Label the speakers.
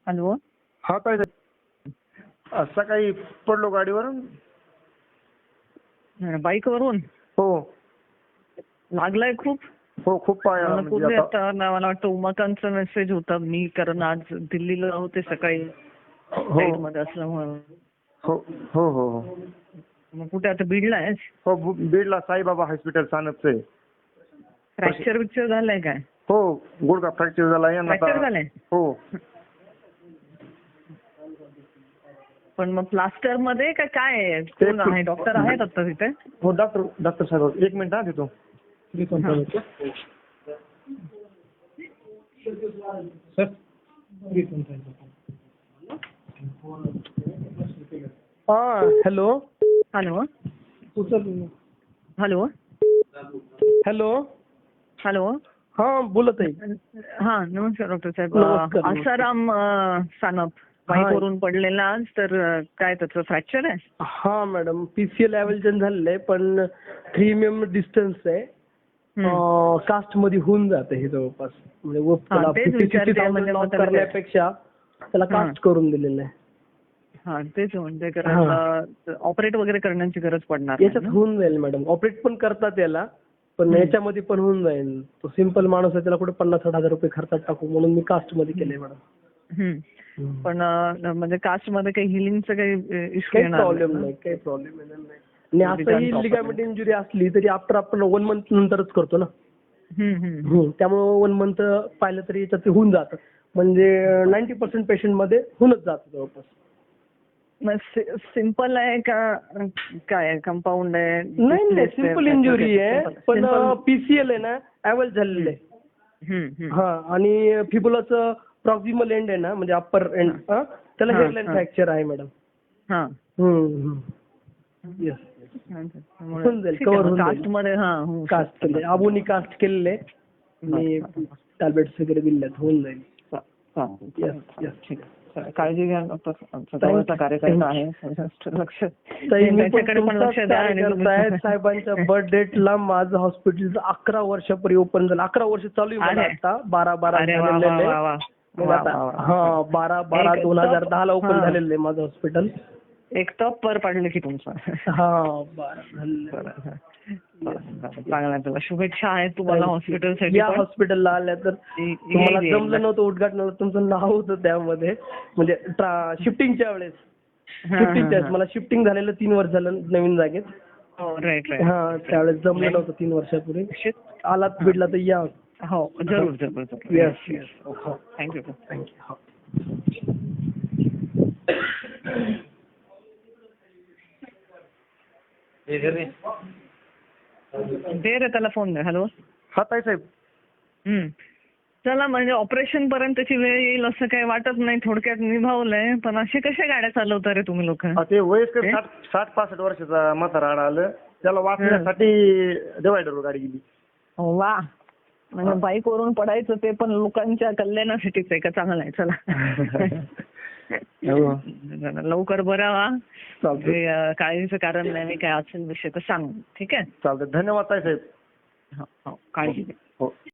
Speaker 1: Hello.
Speaker 2: हा काय सकाळी पडलो गाडीवरून.
Speaker 1: बाईकवरून
Speaker 2: हो
Speaker 1: लागलाय खूप.
Speaker 2: हो खूप पायाला म्हणजे
Speaker 1: पूर्वी
Speaker 2: आता.
Speaker 1: आता मला वाटतं उमाकांतचा मेसेज होता, मी कारण आज दिल्लीला होते सकाळी
Speaker 2: हो
Speaker 1: मध्ये असल्यामुळे.
Speaker 2: हो हो हो हो
Speaker 1: मग कुठे आता बीडला आहेस?
Speaker 2: हो बीडला साईबाबा हॉस्पिटल सानपचं आहे.
Speaker 1: फ्रॅक्चर बिक्चर झालाय काय?
Speaker 2: हो गुडघा फ्रॅक्चर झाला आहे
Speaker 1: फ्रॅक्चर झालाय?
Speaker 2: हो.
Speaker 1: पण मग प्लास्टर मध्ये काय आहे? कोण आहे? डॉक्टर आहेत आता तिथे?
Speaker 2: हो डॉक्टर साहेब एक मिनिट हा देतो. हा hello.
Speaker 1: Hello. Hello.
Speaker 2: Hello.
Speaker 1: Hello.
Speaker 2: हा बोलत आहे.
Speaker 1: हा नमस्कार डॉक्टर साहेब.
Speaker 2: नमस्कार.
Speaker 1: आसाराम सानप बाईकवरून पडलेला आज, तर काय त्याचं फ्रॅक्चर आहे?
Speaker 2: हा मॅडम पीसीएल एव्हल्जन झालेलं आहे, पण 3 mm डिस्टन्स आहे. कास्ट मध्ये होऊन जाते हे जवळपास, म्हणजे त्याला 50,000 लॉस करण्यापेक्षा त्याला कास्ट करून दिलेलं आहे.
Speaker 1: हा तेच म्हणते, कारण ऑपरेट वगैरे करण्याची गरज पडणार नाही
Speaker 2: याच्यात होऊन जाईल मॅडम. ऑपरेट पण करतात याला, पण याच्यामध्ये पण होऊन जाईल. तो सिंपल माणूस आहे, त्याला कुठे 50-60 हजार खर्चात टाकू, म्हणून मी कास्ट मध्ये केलंय मॅडम.
Speaker 1: पण म्हणजे कास्ट मध्ये काही हिलिंगचं काही इश्यू
Speaker 2: काही
Speaker 1: येणार
Speaker 2: प्रॉब्लेम नाही, काही प्रॉब्लेम येणार नाही. आणि असंही लिगामेंट इंजुरी असली तरी आफ्टर आपण 1 month नंतरच करतो ना. त्यामुळे 1 month पाहिलं तरी याच्यात होऊन जातं, म्हणजे 90% पेशंट मध्ये होऊनच जातं जवळपास.
Speaker 1: सिंपल आहे का काय कंपाऊंड आहे?
Speaker 2: नाही नाही सिंपल इंजुरी आहे, पण पीसीएल आहे ना ऍव्हल झालेलं आहे. हा आणि फिबुलाचं प्रॉक्सिमल एंड आहे ना, म्हणजे अप्पर एंड, त्याला हेअरलाईन फ्रॅक्चर आहे मॅडम. येस होऊन जाईल, कव्हर होऊन जाईल. कास्ट केले, आबोनी कास्ट केलेले आणि टॅब्लेट्स वगैरे दिलेत, होऊन जाईल.
Speaker 1: काळजी घ्या डॉक्टर. जवळचा कार्यकर्ता आहे, लक्ष त्याच्याकडे पण लक्ष द्या.
Speaker 2: साहेबांच्या बर्थ डेटला माझं हॉस्पिटल 11 वर्षापूर्वी ओपन झालं. 11 वर्ष चालू आहे आता. 12/12 हा 12/12/2010 ला ओपन झालेलं आहे माझं हॉस्पिटल.
Speaker 1: एक टॉप पर पडलं की तुमचं.
Speaker 2: हा बरं
Speaker 1: चांगला. तुला शुभेच्छा आहेत तुम्हाला हॉस्पिटलसाठी.
Speaker 2: या हॉस्पिटलला आल्या तर तुम्हाला जमलं नव्हतं उद्घाटनाला, तुमचं नाव होतं त्यामध्ये, म्हणजे शिफ्टिंगच्या वेळेस. मला शिफ्टिंग झालेलं 3 वर्ष झालं नवीन जागेत.
Speaker 1: राईट.
Speaker 2: हा त्यावेळेस जमलं नव्हतं 3 वर्षापूर्वी. आलात बीडला तर या.
Speaker 1: हो जरूर.
Speaker 2: येस.
Speaker 1: थँक्यू. दे रे त्याला फोन दे. हॅलो.
Speaker 2: हा ताई साहेब.
Speaker 1: चला, म्हणजे ऑपरेशन पर्यंतची वेळ येईल असं काही वाटत नाही, थोडक्यात निभावलंय. पण असे कशा गाड्या चालवता रे तुम्ही लोक?
Speaker 2: ते वयस्कर 60-65 वर्षाचा म्हातारा आलं, त्याला वाचण्यासाठी डिवायडरवर गाडी गेली.
Speaker 1: वा. म्हणजे बाईक वरून पडायचं ते पण लोकांच्या कल्याणासाठीच आहे का? चांगलं आहे. चला लवकर बरा व्हा. काळजीचं कारण नाही, काय असेल विषय तर सांग. ठीक आहे.
Speaker 2: चालतं. धन्यवाद ताई साहेब.
Speaker 1: हो काळजी घ्या.